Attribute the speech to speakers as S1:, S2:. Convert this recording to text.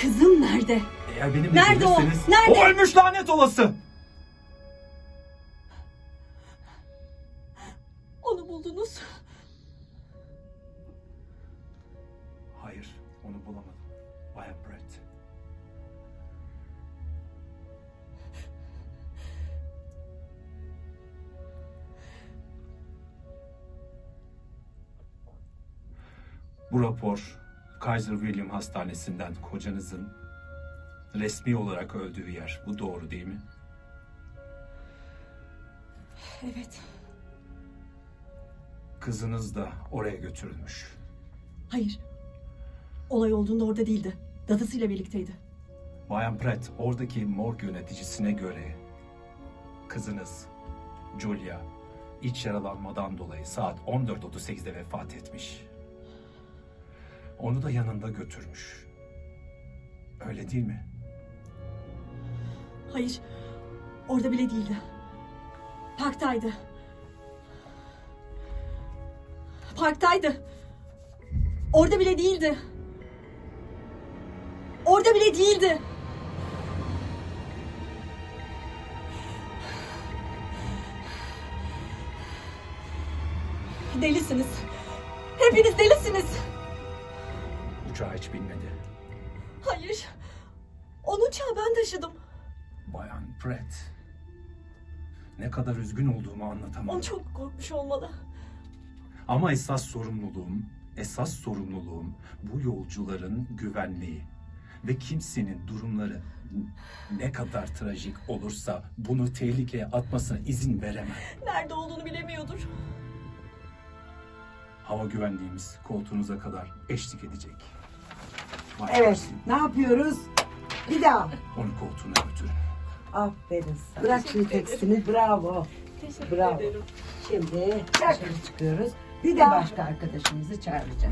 S1: Kızım nerede?
S2: Eğer benimle
S1: Nerede o?
S2: gelirseniz...
S1: Nerede?
S2: O ölmüş, lanet olası!
S1: Onu buldunuz.
S2: Hayır, onu bulamadım. Bayan Brett. Bu rapor Kaiser William Hastanesi'nden kocanızın resmi olarak öldüğü yer. Bu doğru değil mi?
S1: Evet.
S2: Kızınız da oraya götürülmüş.
S1: Hayır. Olay olduğunda orada değildi. Dadısıyla birlikteydi.
S2: Bayan Pratt, oradaki morg yöneticisine göre kızınız Julia iç yaralanmadan dolayı saat 14.38'de vefat etmiş. Onu da yanında götürmüş. Öyle değil mi?
S1: Hayır. Orada bile değildi. Parktaydı. Parktaydı. Orada bile değildi. Orada bile değildi. Delisiniz. Hepiniz delisiniz.
S2: Uçağa hiç binmedi.
S1: Hayır. Onun uçağı ben taşıdım.
S2: Bayan Pratt, ne kadar üzgün olduğumu anlatamam.
S1: O çok korkmuş olmalı.
S2: Ama esas sorumluluğum bu yolcuların güvenliği. Ve kimsenin durumları ne kadar trajik olursa bunu tehlikeye atmasına izin veremem.
S1: Nerede olduğunu bilemiyordur.
S2: Hava güvenliğimiz koltuğunuza kadar eşlik edecek. Bayan
S3: Evet,
S2: Mersin,
S3: ne yapıyoruz? Bir daha.
S2: onu koltuğuna götürün.
S3: Aferin sana. Bırak şimdi tekstini, bravo.
S1: Teşekkür
S3: Bravo.
S1: ederim.
S3: Şimdi dışarı çıkıyoruz. Bir de başka arkadaşımızı çağıracağız.